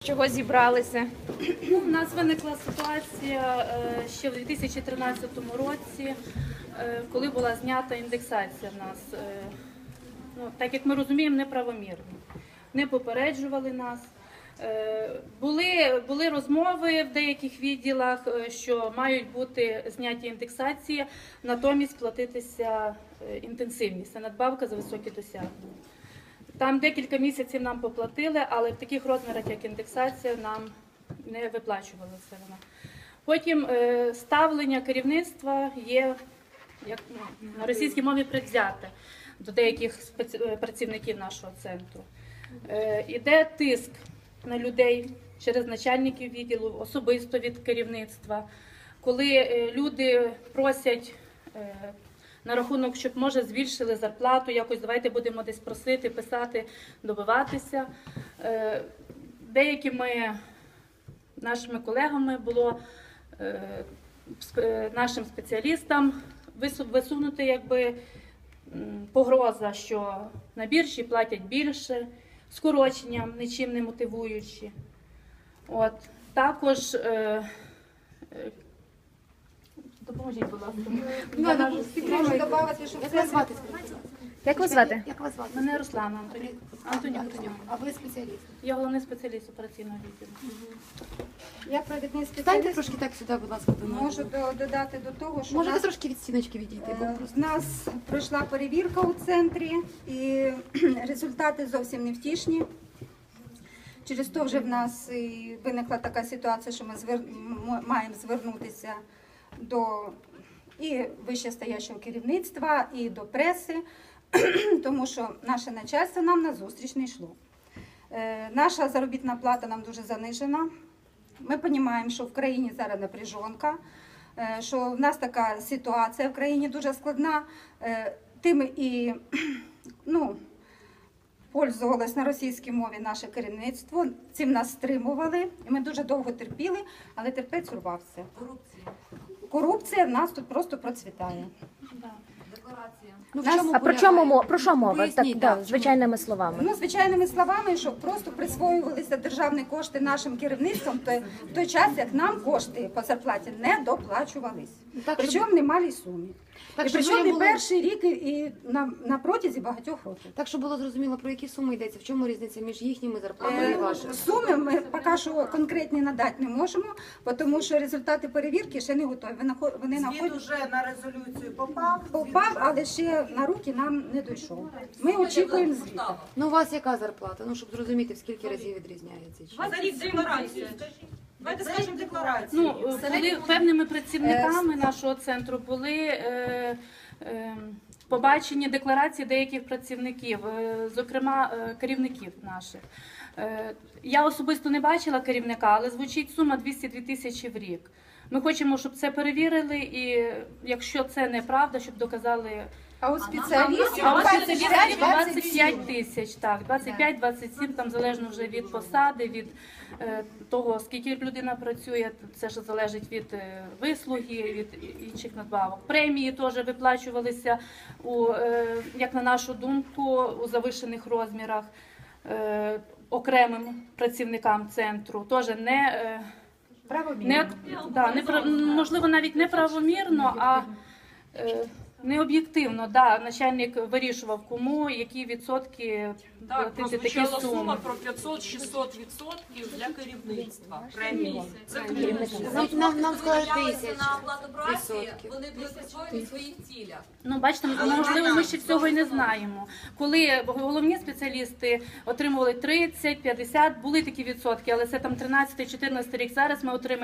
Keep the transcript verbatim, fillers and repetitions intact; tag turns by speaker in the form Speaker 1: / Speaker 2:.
Speaker 1: Чого зібралися?
Speaker 2: Ну, у нас виникла ситуація е, ще в дві тисячі тринадцятому році, е, коли була знята індексація в нас. Е, ну, так як ми розуміємо, неправомірно. Не попереджували нас. Е, були, були розмови в деяких відділах, е, що мають бути зняті індексації, натомість платитися е, інтенсивність, це надбавка за високі досягнення. Там декілька місяців нам поплатили, але в таких розмірах, як індексація, нам не виплачувалася вона. Потім е, ставлення керівництва є, як ну, на російській мові, предвзяте до деяких спеці... працівників нашого центру. Е, іде тиск на людей через начальників відділу, особисто від керівництва. Коли е, люди просять е, на рахунок, щоб, може, збільшили зарплату, якось давайте будемо десь просити, писати, добиватися. Деякими нашими колегами було нашим спеціалістам висунути якби погроза, що на біржі платять більше, скороченням, нічим не мотивуючи. От. Також допоможіть, будь ласка.
Speaker 3: Можу додати, що
Speaker 1: Як вас звати? Як вас звати?
Speaker 3: Як вас звати?
Speaker 2: Мене Руслана Антонюк. Антонюк.
Speaker 3: А ви спеціаліст?
Speaker 2: Я головний спеціаліст операційного відділу.
Speaker 3: Я провідний
Speaker 4: Станьте
Speaker 3: спеціаліст.
Speaker 4: трошки так сюди, будь ласка, до
Speaker 3: Можу до- додати до того, що в
Speaker 4: Можете
Speaker 3: нас,
Speaker 4: трошки від стіночки відійти, бо
Speaker 3: е,
Speaker 4: просто.
Speaker 3: в нас пройшла перевірка у центрі, і результати зовсім не втішні. Через то вже в нас і виникла така ситуація, що ми звер... м- маємо звернутися до і вищестоящого керівництва, і до преси, тому що наше начальство нам на зустріч не йшло. Е, Наша заробітна плата нам дуже занижена. Ми розуміємо, що в країні зараз напряжонка, е, що в нас така ситуація в країні дуже складна. Е, Тим і ну, пользувалось на російській мові наше керівництво, цим нас стримували, і ми дуже довго терпіли, але терпець урвався. Корупція. Корупція в нас тут просто процвітає.
Speaker 4: Ну, в
Speaker 3: Нас-
Speaker 4: чому
Speaker 1: А про
Speaker 4: полягає?
Speaker 1: чому мо- про що мова?
Speaker 4: Поясніть,
Speaker 1: Так,
Speaker 4: так,
Speaker 1: да, звичайними словами.
Speaker 3: Ну, звичайними словами, що просто присвоювалися державні кошти нашим керівництвом в той, в той час, як нам кошти по зарплаті не доплачувались.
Speaker 4: Так,
Speaker 3: Причому
Speaker 4: щоб-
Speaker 3: в немалій сумі.
Speaker 4: Так,
Speaker 3: і
Speaker 4: щоб
Speaker 3: причому
Speaker 4: ви
Speaker 3: не
Speaker 4: були-
Speaker 3: перший рік і, і на, на протязі багатьох років.
Speaker 4: Так, щоб було зрозуміло, про які суми йдеться, в чому різниця між їхніми зарплатами і
Speaker 3: Е,
Speaker 4: вашими?
Speaker 3: Суми ми поки що конкретні надати не можемо, тому що результати перевірки ще не готові. Вони нахо- Вони
Speaker 5: Звіт
Speaker 3: знаходять
Speaker 5: уже на резолюцію попав.
Speaker 3: попав, але ще на руки нам не дійшов. Ми очікуємо звіта.
Speaker 4: Ну, у вас яка зарплата? Ну, щоб зрозуміти, в скільки разів відрізняється. Чи-
Speaker 5: За рік декларацію. Давайте скажемо декларацію.
Speaker 2: Ну, були певними працівниками нашого центру були е, е, побачені декларації деяких працівників, е, зокрема е, керівників наших. Е, я особисто не бачила керівника, але звучить сума двісті дві тисячі в рік. Ми хочемо, щоб це перевірили, і якщо це неправда, щоб доказали.
Speaker 3: А у спеціалістів
Speaker 2: А ось це
Speaker 3: двадцять п'ять
Speaker 2: двадцять п'ять тисяч, так, двадцять п'ять - двадцять сім, там залежно вже від посади, від е, того, скільки людина працює, це ж залежить від е, вислуги, від інших надбавок. Премії теж виплачувалися, у, е, як на нашу думку, у завишених розмірах е, окремим працівникам центру, теж не, е, не, да, не прав- можливо, навіть не правомірно, а е, не об'єктивно, да, начальник вирішував, кому які відсотки
Speaker 6: Так,
Speaker 2: платити такі
Speaker 6: прозвучала
Speaker 2: суми.
Speaker 6: сума про п'ятсот-шістсот відсотків для керівництва премії. Це
Speaker 4: Нам, нам, нам сказали
Speaker 7: Жалися
Speaker 4: тисяч
Speaker 7: на оплату праці,
Speaker 4: відсотків.
Speaker 7: вони будуть присвоєні в своїх цілях.
Speaker 2: Ну, бачите, можливо, ми ще цього і не знаємо. Коли головні спеціалісти отримували тридцять, п'ятдесят, були такі відсотки, але це там тринадцятий-чотирнадцятий рік, зараз ми отримаємо